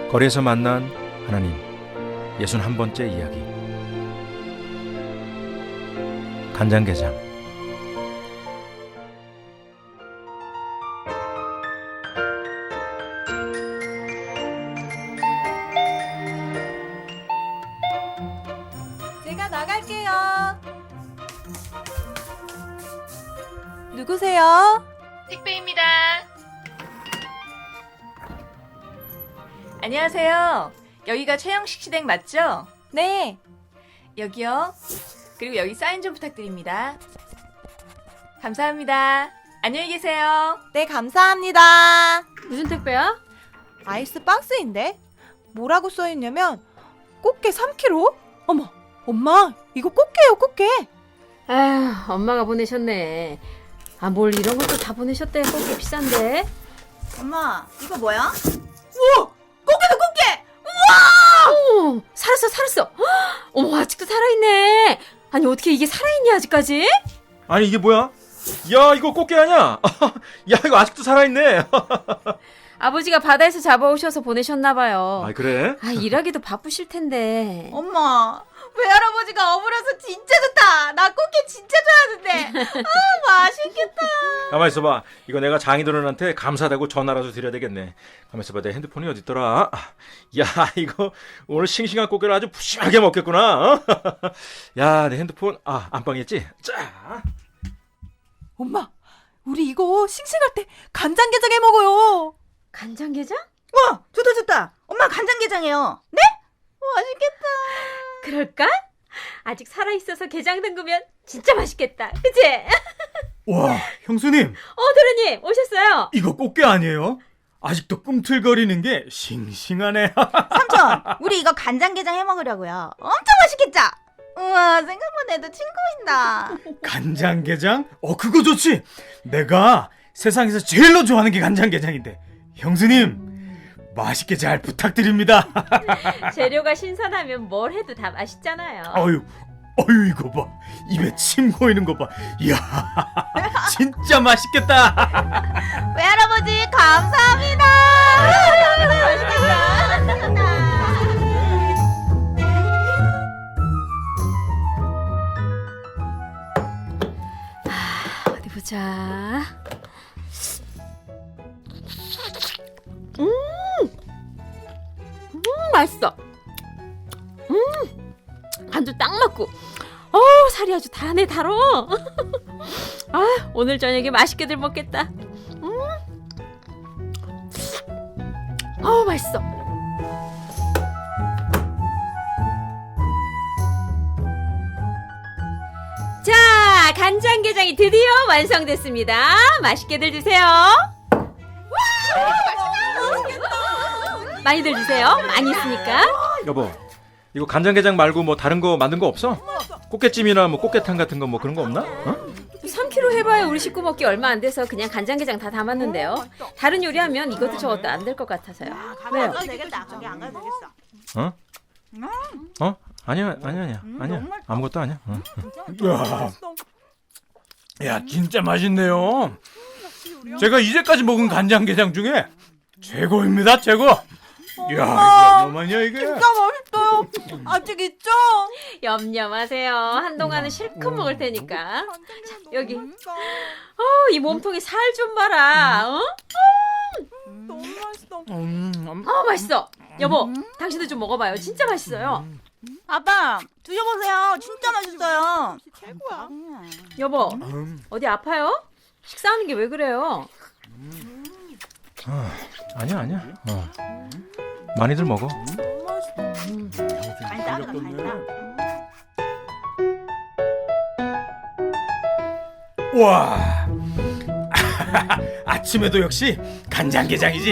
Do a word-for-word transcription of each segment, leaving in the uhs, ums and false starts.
거리에서 만난 하나님 예순한 번째 이야기. 간장게장. 제가 나갈게요. 누구세요? 택배입니다. 안녕하세요. 여기가 최영식 시댁 맞죠? 네. 여기요. 그리고 여기 사인 좀 부탁드립니다. 감사합니다. 안녕히 계세요. 네, 감사합니다. 무슨 택배야? 아이스 박스인데? 뭐라고 써있냐면 꽃게 삼 킬로그램? 어머, 엄마, 이거 꽃게요, 꽃게. 아휴, 엄마가 보내셨네. 아, 뭘 이런 것도 다 보내셨대. 꽃게 비싼데. 엄마, 이거 뭐야? 우와, 꽃게다, 꽃게! 어머, 살았어, 살았어. 헉, 어머, 아직도 살아있네. 아니, 어떻게 이게 살아있냐, 아직까지? 아니 이게 뭐야? 야 이거 꽃게 아니야? 야 이거 아직도 살아있네. 아버지가 바다에서 잡아오셔서 보내셨나봐요. 아 그래? 아, 일하기도 바쁘실 텐데. 엄마, 외할아버지가 어물어서 진짜 좋다. 나 꽃게 진짜 좋아하는데. 아, 맛있겠다. 가만 있어봐. 이거 내가 장인어른한테 감사하다고 전화라도 드려야 되겠네. 가만 있어봐. 내 핸드폰이 어딨더라? 야 이거 오늘 싱싱한 꽃게를 아주 푸짐하게 먹겠구나. 어? 야 내 핸드폰 아 안방에 있지? 자. 엄마, 우리 이거 싱싱할 때 간장게장 해 먹어요. 간장게장? 와, 좋다, 좋다. 엄마 간장게장이에요. 네? 맛있겠다. 그럴까? 아직 살아있어서 게장 담그면 진짜 맛있겠다. 그치? 와, 형수님, 어, 도련님, 오셨어요? 이거 꽃게 아니에요? 아직도 꿈틀거리는 게 싱싱하네. 삼촌, 우리 이거 간장게장 해 먹으려고요. 엄청 맛있겠죠? 우와, 생각만 해도 침 고인다. 간장게장? 어, 그거 좋지. 내가 세상에서 제일로 좋아하는 게 간장게장인데. 형수님, 맛있게 잘 부탁드립니다. 재료가 신선하면 뭘 해도 다 맛있잖아요. 어유, 어유 이거 봐. 입에 침 고이는 거 봐. 이야, 진짜 맛있겠다. 외할아버지, 감사합니다. 맛있겠다. 어디 보자. 음, 음 맛있어. 음, 간도 딱 맞고. 어, 살이 아주 다네 달어. 아, 오늘 저녁에 맛있게들 먹겠다. 음, 어, 맛있어. 자, 간장게장이 드디어 완성됐습니다. 맛있게들 드세요. 많이들 드세요. 많이 있으니까. 여보 이거 간장게장 말고 뭐 다른 거 만든 거 없어? 꽃게찜이나 뭐 꽃게탕 같은 거 뭐 그런 거 없나? 어? 삼 킬로그램 해봐야 우리 식구 먹기 얼마 안 돼서 그냥 간장게장 다 담았는데요. 다른 요리하면 이것도 저것도 안 될 것 같아서요. 왜요? 가도 되겠다. 거기 안 가도 되겠어. 어? 어? 아니야 아니야 아니야 아니야 아무것도 아니야. 어. 야, 야, 진짜 맛있네요. 제가 이제까지 먹은 간장게장 중에 최고입니다, 최고. 이야, 이거 뭐마냐 이게? 진짜 맛있어요. 아직 있죠? 염려마세요. 한동안은 실컷 먹을 테니까. 자, 여기. 어, 이 몸통에 살 좀 봐라. 어? 너무 맛있어. 음, 음. 어, 맛있어. 여보, 당신도 좀 먹어봐요. 진짜 맛있어요. 아빠, 드셔보세요. 진짜 맛있어요. 최고야. 여보, 음. 어디 아파요? 식사하는 게 왜 그래요? 아니야 아니야. 어. 많이들 먹어. 간다, 간다. 와, 아침에도 역시 간장게장이지.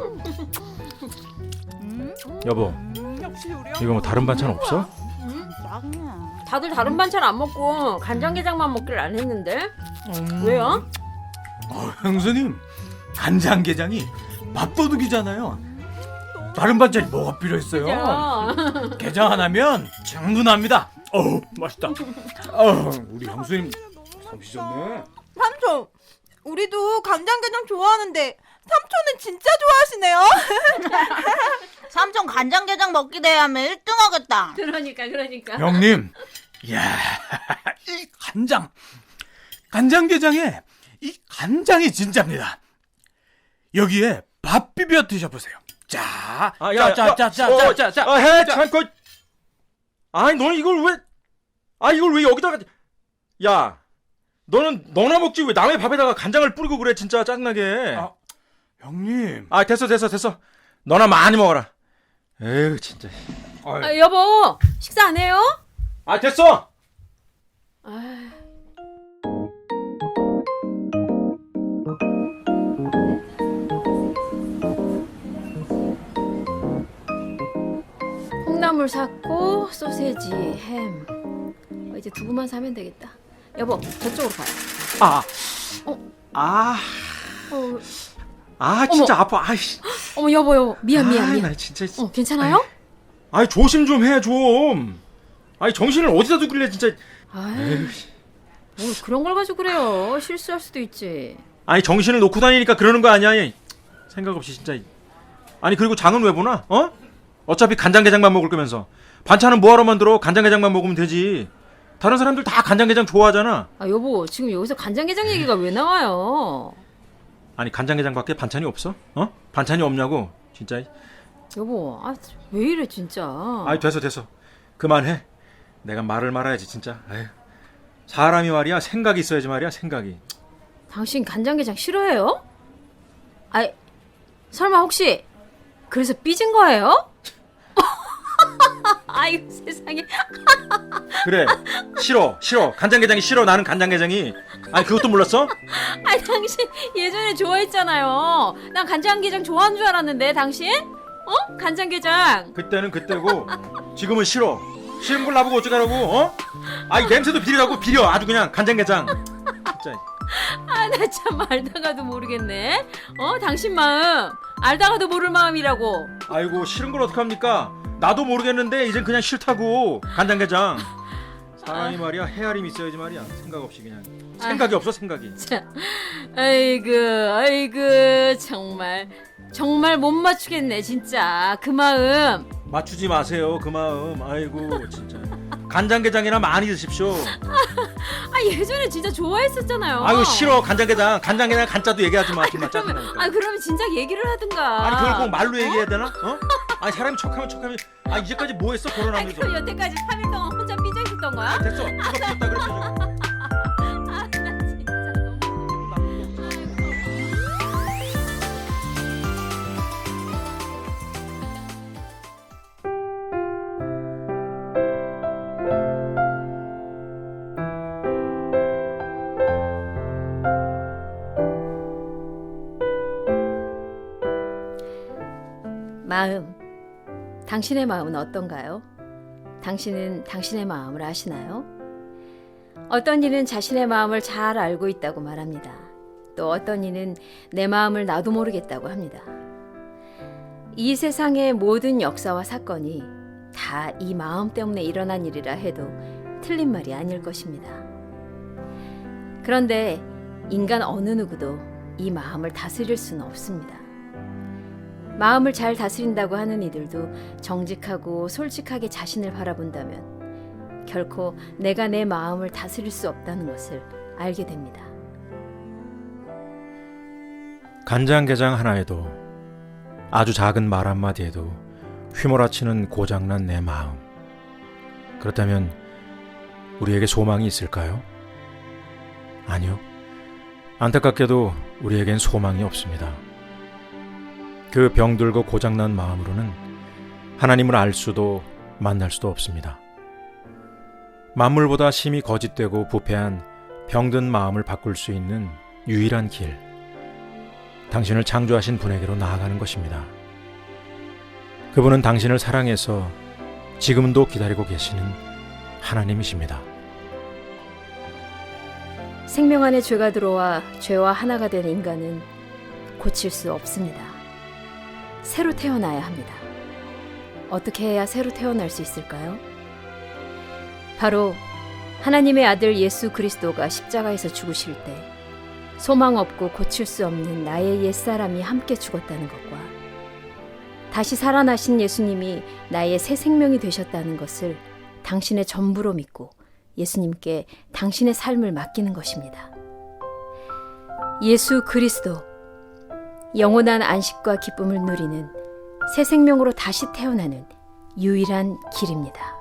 여보 역시 우리 이거 뭐 다른 반찬 없어? 다들 다른 반찬 안 먹고 간장게장만 먹기를 안 했는데? 음. 왜요? 어, 형수님, 간장게장이 밥도둑이잖아요. 다른 반찬이 뭐가 필요했어요? 그죠? 게장 하나면 충분합니다. 어우, 맛있다. 어, 우리 형수님 솜씨 좋네. 삼촌, 우리도 간장게장 좋아하는데 삼촌은 진짜 좋아하시네요. 삼촌 간장게장 먹기 대회하면 일 등 하겠다. 그러니까 그러니까. 형님, 이야, 이 간장, 간장게장에 이 간장이 진짜입니다. 여기에 밥 비벼 드셔보세요. 자, 아, 야, 자, 자, 자, 자, 어, 자, 자, 자. 아, 해, 참고. 아니, 너는 이걸 왜? 아, 이걸 왜 여기다가? 야, 너는 너나 먹지 왜 남의 밥에다가 간장을 뿌리고 그래? 진짜 짜증나게. 아, 형님. 아, 됐어, 됐어, 됐어. 너나 많이 먹어라. 에휴, 진짜. 아유, 아, 여보 식사 안 해요? 아, 됐어. 아, 콩나물 샀고 소세지, 햄. 어, 이제 두부만 사면 되겠다. 여보 저쪽으로 가요. 아, 어. 아, 어, 아, 진짜 아파. 아이씨. 어머 여보 여보 미안 미안 아이, 미안. 나 진짜. 어 괜찮아요? 아이, 조심 좀 해, 좀. 아이, 정신을 어디다 두길래 진짜. 아이 에휴. 뭘 그런 걸 가지고 그래요. 실수할 수도 있지. 아니, 정신을 놓고 다니니까 그러는 거 아니야? 얘. 생각 없이 진짜. 아니, 그리고 장은 왜 보나? 어? 어차피 간장게장만 먹을 거면서. 반찬은 뭐하러 만들어? 간장게장만 먹으면 되지. 다른 사람들 다 간장게장 좋아하잖아. 아 여보 지금 여기서 간장게장 얘기가 왜 나와요? 아니, 간장게장밖에 반찬이 없어? 어? 반찬이 없냐고? 진짜. 여보 아 왜 이래 진짜. 아이, 됐어, 됐어. 그만해. 내가 말을 말아야지, 진짜. 에휴. 사람이 말이야, 생각이 있어야지 말이야, 생각이. 당신 간장게장 싫어해요? 아이 설마 혹시 그래서 삐진 거예요? 아이고 세상에. 그래, 싫어, 싫어. 간장게장이 싫어, 나는 간장게장이. 아니, 그것도 몰랐어? 아니 당신 예전에 좋아했잖아요. 난 간장게장 좋아하는 줄 알았는데 당신? 어? 간장게장. 그때는 그때고 지금은 싫어. 싫은 걸 나보고 어쩌라고? 어? 아이, 냄새도 비리라고. 비려, 아주 그냥. 간장게장 진짜. 아 나 참 알다가도 모르겠네. 어? 당신 마음 알다가도 모를 마음이라고. 아이고, 싫은 걸 어떡합니까? 나도 모르겠는데 이젠 그냥 싫다고. 간장게장. 사람이 말이야, 헤아림이 있어야지 말이야. 생각 없이 그냥. 생각이 없어, 생각이. 자, 아이고 아이고 정말 정말 못 맞추겠네 진짜 그 마음. 맞추지 마세요, 그 마음. 아이고, 진짜. 간장게장이나 많이 드십시오. 아 예전에 진짜 좋아했었잖아요. 아이고, 싫어, 간장게장. 간장게장 간짜도 얘기하지 마. 정말 그러면 짜증나니까. 아 그러면 진작 얘기를 하든가. 아니, 그걸 꼭 말로 얘기해야 되나? 어? 아니, 사람이 척하면 척하면. 아, 이제까지 뭐 했어, 아니 결혼하면서. 그럼 여태까지 삼 일 동안 혼자 삐져 있었던 거야? 됐어. 그거 피웠다 그랬어, 지금. 아 나 진짜 너무. 마음. 당신의 마음은 어떤가요? 당신은 당신의 마음을 아시나요? 어떤 이는 자신의 마음을 잘 알고 있다고 말합니다. 또 어떤 이는 내 마음을 나도 모르겠다고 합니다. 이 세상의 모든 역사와 사건이 다 이 마음 때문에 일어난 일이라 해도 틀린 말이 아닐 것입니다. 그런데 인간 어느 누구도 이 마음을 다스릴 수는 없습니다. 마음을 잘 다스린다고 하는 이들도 정직하고 솔직하게 자신을 바라본다면 결코 내가 내 마음을 다스릴 수 없다는 것을 알게 됩니다. 간장게장 하나에도, 아주 작은 말 한마디에도 휘몰아치는 고장난 내 마음. 그렇다면 우리에게 소망이 있을까요? 아니요. 안타깝게도 우리에겐 소망이 없습니다. 그 병들고 고장난 마음으로는 하나님을 알 수도 만날 수도 없습니다. 만물보다 심히 거짓되고 부패한 병든 마음을 바꿀 수 있는 유일한 길, 당신을 창조하신 분에게로 나아가는 것입니다. 그분은 당신을 사랑해서 지금도 기다리고 계시는 하나님이십니다. 생명 안에 죄가 들어와 죄와 하나가 된 인간은 고칠 수 없습니다. 새로 태어나야 합니다. 어떻게 해야 새로 태어날 수 있을까요? 바로 하나님의 아들 예수 그리스도가 십자가에서 죽으실 때 소망 없고 고칠 수 없는 나의 옛사람이 함께 죽었다는 것과 다시 살아나신 예수님이 나의 새 생명이 되셨다는 것을 당신의 전부로 믿고 예수님께 당신의 삶을 맡기는 것입니다. 예수 그리스도, 영원한 안식과 기쁨을 누리는 새 생명으로 다시 태어나는 유일한 길입니다.